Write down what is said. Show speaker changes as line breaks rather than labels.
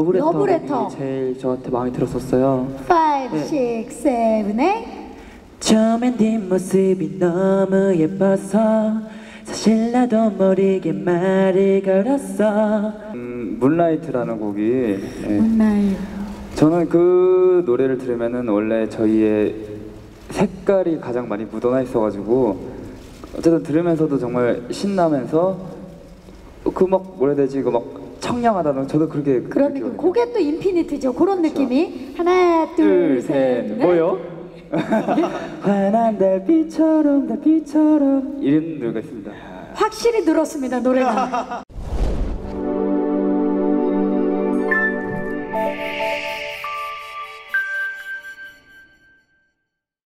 러브레터.
제일 저한테 마음에 들었었어요.
5, 6, 7, 8.
처음엔 뒷모습이 너무 예뻐서 사실 나도 모르게 말을 걸었어.
문라이트라는 곡이
문나이.
저는 그 노래를 들으면은 원래 저희의 색깔이 가장 많이 묻어나 있어가지고 어쨌든 들으면서도 정말 신나면서 그 막 뭐라 해야 되지, 그 막 청량하다는, 저도 그렇게
그런 느낌. 그게 또 인피니트죠. 그런 느낌이. 하나, 둘, 셋, 넷.
뭐요? 환한 달빛처럼 이런 노래가 있습니다.
확실히 늘었습니다, 노래가.